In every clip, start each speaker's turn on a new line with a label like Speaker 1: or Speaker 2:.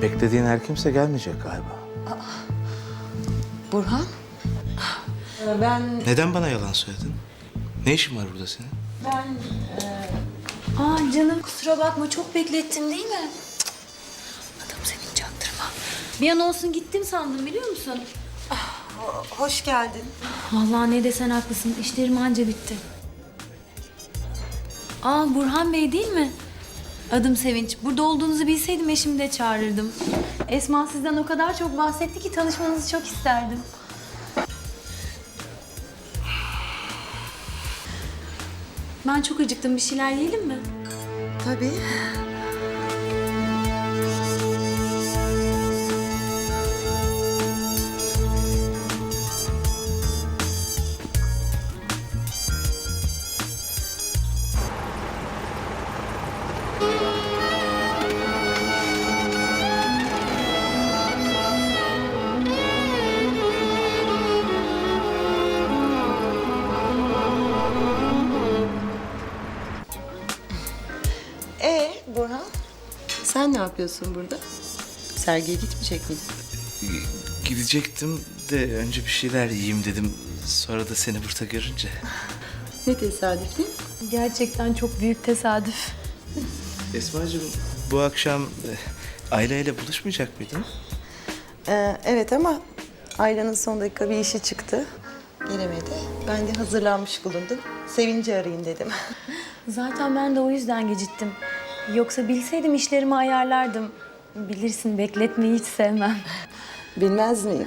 Speaker 1: Beklediğin her kimse gelmeyecek galiba.
Speaker 2: Burhan? Ben...
Speaker 1: Neden bana yalan söyledin? Ne işin var burada senin?
Speaker 2: Aa canım kusura bakma çok beklettim değil mi? Adam senin çaktırma. Bir an olsun gittim sandım biliyor musun?
Speaker 3: Hoş geldin.
Speaker 2: Vallahi ne desen haklısın. İşlerim anca bitti. Aa Burhan Bey değil mi? Adım Sevinç. Burada olduğunuzu bilseydim eşimi de çağırırdım. Esma sizden o kadar çok bahsetti ki tanışmanızı çok isterdim. Ben çok acıktım. Bir şeyler yiyelim mi?
Speaker 3: Tabii. Burhan, sen ne yapıyorsun burada? Sergiye gitmeyecek miydin?
Speaker 1: Gidecektim de önce bir şeyler yiyeyim dedim. Sonra da seni burada görünce.
Speaker 3: Ne tesadüf değil mi?
Speaker 2: Gerçekten çok büyük tesadüf.
Speaker 1: Esma'cığım bu akşam Ayla ile buluşmayacak mıydın?
Speaker 3: Evet ama Ayla'nın son dakika bir işi çıktı. Gelemedi. Ben de hazırlanmış bulundum. Sevinci arayayım dedim.
Speaker 2: Zaten ben de o yüzden geciktim. Yoksa bilseydim işlerimi ayarlardım. Bilirsin bekletmeyi hiç sevmem.
Speaker 3: Bilmez miyim?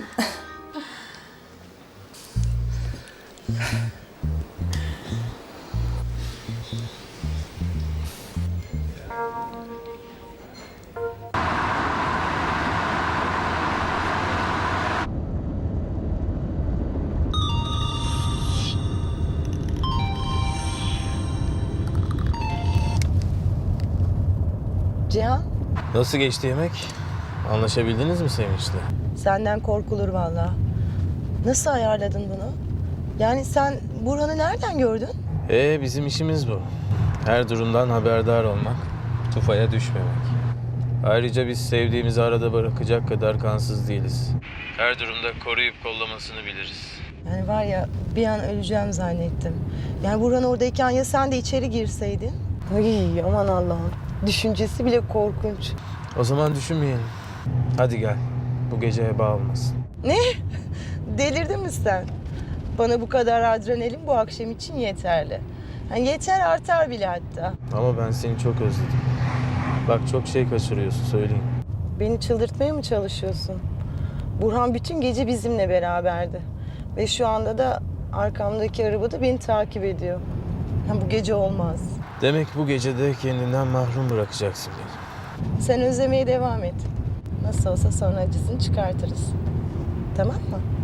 Speaker 3: Cihan,
Speaker 4: Nasıl geçti yemek? Anlaşabildiniz mi Sevinç'le?
Speaker 3: senden korkulur vallahi. Nasıl ayarladın bunu? Yani sen Burhan'ı nereden gördün?
Speaker 4: Bizim işimiz bu. Her durumdan haberdar olmak, tufaya düşmemek. Ayrıca biz sevdiğimizi arada bırakacak kadar kansız değiliz. Her durumda koruyup kollamasını biliriz.
Speaker 3: Yani var ya bir an öleceğim zannettim. Yani Burhan oradayken ya sen de içeri girseydin? Ay aman Allah'ım. Düşüncesi bile korkunç.
Speaker 4: O zaman düşünmeyelim. Hadi gel. Bu gece heba olmasın.
Speaker 3: Ne? Delirdin mi sen? Bana bu kadar adrenalin bu akşam için yeterli. Yani yeter artar bile hatta.
Speaker 4: Ama ben seni çok özledim. Bak çok şey kaçırıyorsun söyleyeyim.
Speaker 3: Beni çıldırtmaya mı çalışıyorsun? Burhan bütün gece bizimle beraberdi. Ve şu anda da arkamdaki arabada beni takip ediyor. Yani bu gece olmaz.
Speaker 4: Demek bu gece de kendinden mahrum bırakacaksın beni.
Speaker 3: Sen özlemeye devam et. Nasıl olsa sonra acısını çıkartırız. Tamam mı?